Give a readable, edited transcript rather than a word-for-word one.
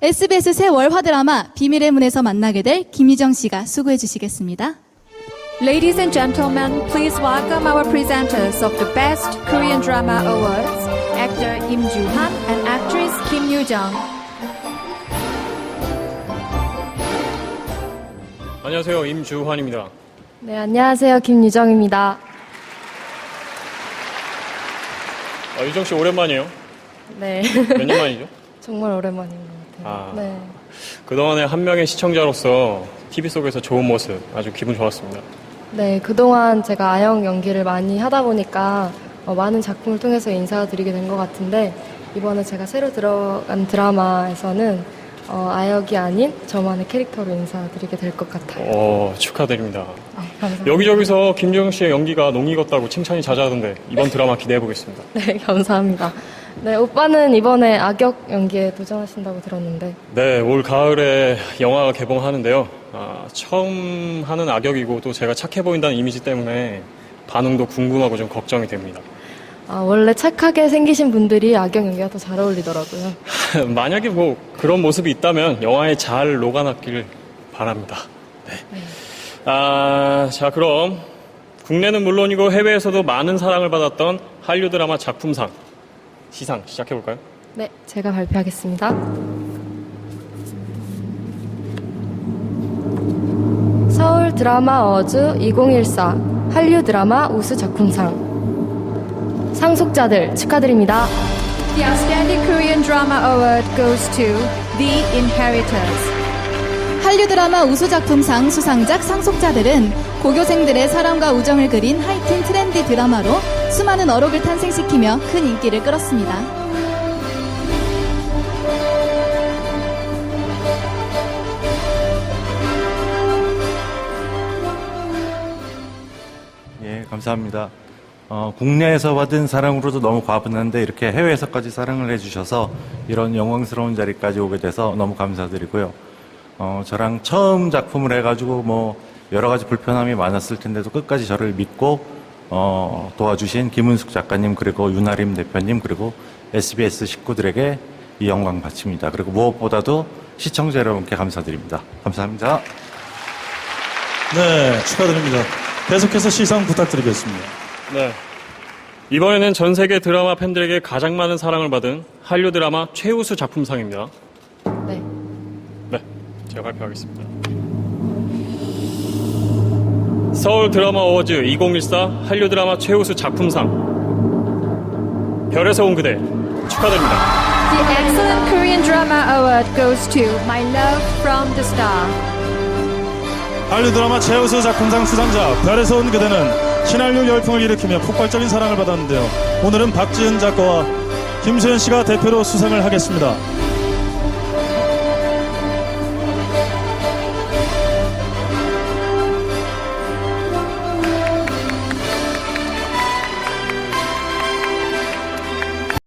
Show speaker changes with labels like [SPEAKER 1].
[SPEAKER 1] SBS 새 월화 드라마 비밀의 문에서 만나게 될 김유정 씨가 수고해 주시겠습니다.
[SPEAKER 2] Ladies and gentlemen, please welcome our presenters of the Best Korean Drama Awards, actor Im Joo-han and actress Kim Yoo-jung.
[SPEAKER 3] 안녕하세요. 임주환입니다.
[SPEAKER 4] 네, 안녕하세요. 김유정입니다.
[SPEAKER 3] 유정 씨 오랜만이에요.
[SPEAKER 4] 네.
[SPEAKER 3] 몇 년 만이죠?
[SPEAKER 4] 정말 오랜만인 것 같아요. 네.
[SPEAKER 3] 그동안에 한 명의 시청자로서 TV 속에서 좋은 모습 아주 기분 좋았습니다.
[SPEAKER 4] 네, 그동안 제가 아역 연기를 많이 하다 보니까 많은 작품을 통해서 인사드리게 된 것 같은데 이번에 제가 새로 들어간 드라마에서는 아역이 아닌 저만의 캐릭터로 인사드리게 될 것 같아요.
[SPEAKER 3] 축하드립니다.
[SPEAKER 4] 네, 감사합니다.
[SPEAKER 3] 여기저기서 김주영 씨의 연기가 농익었다고 칭찬이 잦아던데 이번 드라마 기대해보겠습니다.
[SPEAKER 4] 네, 감사합니다. 네, 오빠는 이번에 악역 연기에 도전하신다고 들었는데.
[SPEAKER 3] 네, 올 가을에 영화가 개봉하는데요. 처음 하는 악역이고 또 제가 착해 보인다는 이미지 때문에 반응도 궁금하고 좀 걱정이 됩니다.
[SPEAKER 4] 원래 착하게 생기신 분들이 악역 연기가 더 잘 어울리더라고요.
[SPEAKER 3] 만약에 뭐 그런 모습이 있다면 영화에 잘 녹아났기를 바랍니다. 네. 자, 그럼 국내는 물론이고 해외에서도 많은 사랑을 받았던 한류 드라마 작품상 시상 시작해볼까요?
[SPEAKER 4] 네, 제가 발표하겠습니다. 서울 드라마 어워즈 2014 한류 드라마 우수 작품상 상속자들 축하드립니다.
[SPEAKER 2] The Outstanding Korean Drama Award goes to The Inheritors.
[SPEAKER 1] 한류 드라마 우수 작품상 수상작 상속자들은 고교생들의 사랑과 우정을 그린 하이틴 트렌디 드라마로 수많은 어록을 탄생시키며 큰 인기를 끌었습니다.
[SPEAKER 5] 예, 감사합니다. 국내에서 받은 사랑으로도 너무 과분한데 이렇게 해외에서까지 사랑을 해주셔서 이런 영광스러운 자리까지 오게 돼서 너무 감사드리고요. 저랑 처음 작품을 해가지고 뭐 여러 가지 불편함이 많았을 텐데도 끝까지 저를 믿고 도와주신 김은숙 작가님 그리고 윤아림 대표님 그리고 SBS 식구들에게 이 영광 바칩니다. 그리고 무엇보다도 시청자 여러분께 감사드립니다. 감사합니다.
[SPEAKER 6] 네, 축하드립니다. 계속해서 시상 부탁드리겠습니다.
[SPEAKER 3] 네. 이번에는 전 세계 드라마 팬들에게 가장 많은 사랑을 받은 한류 드라마 최우수 작품상입니다.
[SPEAKER 4] 네.
[SPEAKER 3] 네, 제가 발표하겠습니다. 서울 드라마 어워즈 2014 한류 드라마 최우수 작품상 별에서 온 그대 축하드립니다.
[SPEAKER 2] The Excellent Korean Drama Award goes to My Love from the Star.
[SPEAKER 6] 한류 드라마 최우수 작품상 수상자 별에서 온 그대는 신한류 열풍을 일으키며 폭발적인 사랑을 받았는데요. 오늘은 박지은 작가와 김수현 씨가 대표로 수상을 하겠습니다.